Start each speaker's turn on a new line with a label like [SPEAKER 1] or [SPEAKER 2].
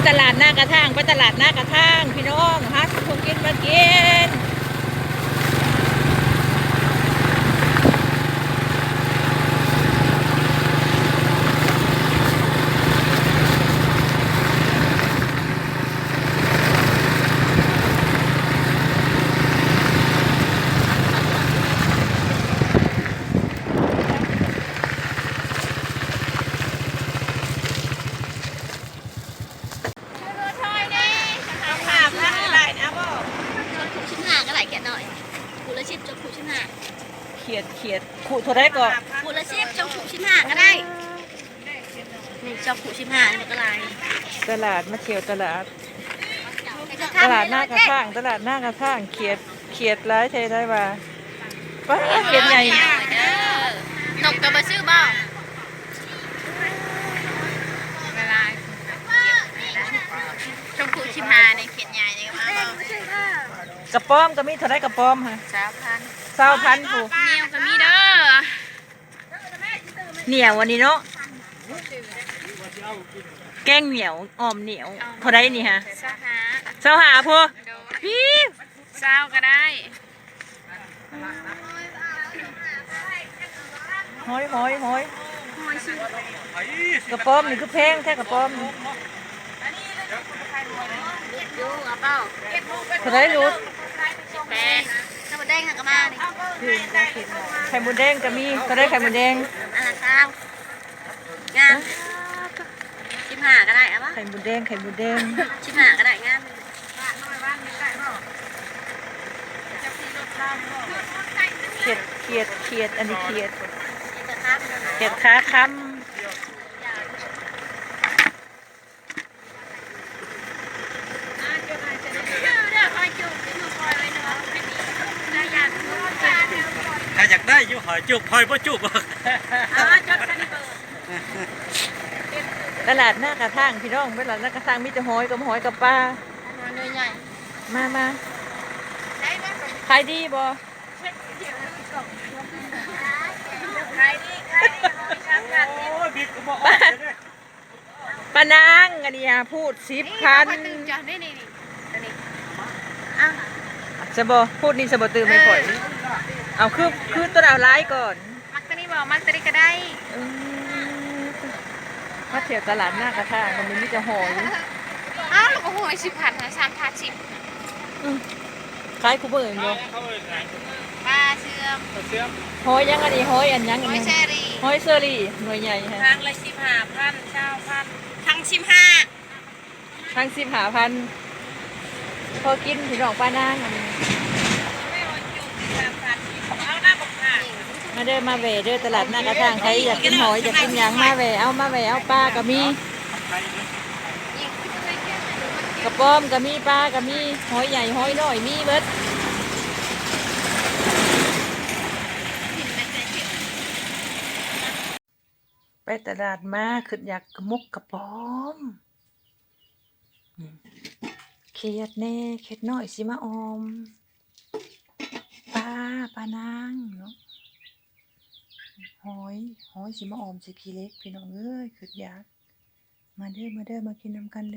[SPEAKER 1] ตลาดหน้ากระทางไปตลาดหน้ากระทางพี่น้องฮะทุกกินมากินขู่เท่าไรก็
[SPEAKER 2] ขู่ละ10จงขู่15ก็ได้นี่จงขู่15นี่มันก็ลาย
[SPEAKER 1] ตลาดมาเที่ยวตลาดหน้ากระทางตลาดหน้ากระทางเขียดร้ายเทได้ว่าว้าเขียดใหญ่
[SPEAKER 2] นกกระบะซื้อบ่เวลาจงขู่15ในเขียดใหญ่นี่ก็มาก
[SPEAKER 1] ระป๋อมก็มีเท่าไรกระป๋อมฮะ20,000ผู้
[SPEAKER 2] เหนียวก็มีเด้อ
[SPEAKER 1] เหนียววันนี้เนาะแกงเหนียวออมเหนียวเท่าไรนี่ฮะ25ผู้พี่
[SPEAKER 2] 20ก็ได้
[SPEAKER 1] ห้อยกระป๋อมนี่คือแพงแท้กระป๋อม
[SPEAKER 2] ดูเอาเปล่า
[SPEAKER 1] เท่าไรรู้
[SPEAKER 2] แพงถ้ามันแดงก็มาดิ
[SPEAKER 1] ไข่มดแดงก็มีก็ได้ไข่มดแดง
[SPEAKER 2] อันละ9งาม15ก็ได้เอาป่ะ
[SPEAKER 1] ไข่มดแดง
[SPEAKER 2] 15ก็ได้งาม
[SPEAKER 1] เขียดอันนี้เขียดขาค้ำ
[SPEAKER 3] ถ้าอยากได้อยู่หอยจุบหอยบ่จุบ
[SPEAKER 1] ตลาดหน้ากระทางพี่น้องตลาดหน้ากระทางมีแต่หอยกับปลามาขายดีบ่ป้านางอันนี้พูด10,000จะบ่พูดนี่จะบ่ตื่นไม่ค่อยเอาคือตัวเอาไล่ก่อน
[SPEAKER 2] มักตัวนี้บอกมักตัวนี้ก็ได้
[SPEAKER 1] มาเที่ยวตลาดหน้ากระทางมันมีแต่หอย
[SPEAKER 2] แล้วก็หอย10,000นะ3,010
[SPEAKER 1] ขายคู่เบิ่งอยู่
[SPEAKER 2] ปลาเชื่อม
[SPEAKER 1] หอยยังอันนี้หอยอันยัง
[SPEAKER 2] หอยเชอรี่
[SPEAKER 1] หอยเชอรี่หน่วยใหญ่ฮะ
[SPEAKER 2] ทั้งละ15,000 20,000ทั้ง
[SPEAKER 1] 15,000พอกินพี่น้องป้านางอันนี้มาเด้อมาแหวเด้อตลาดหน้ากระทางใครอยากกินหอยอยากกินหยังมาแหวเอาปลาก็มีกระป๋อมก็มีปลาก็มีหอยใหญ่หอยน้อยมีเบิดไปตลาดมาคืออยากกระมุกกระป๋อมเขียดแน่เขียดน้อยสิมาออมปลานางเนาะหอยสิมาออมสิขี้เล็กพี่น้องเอ้ยคืออยากมาเด้อมากินน้ำกันเลย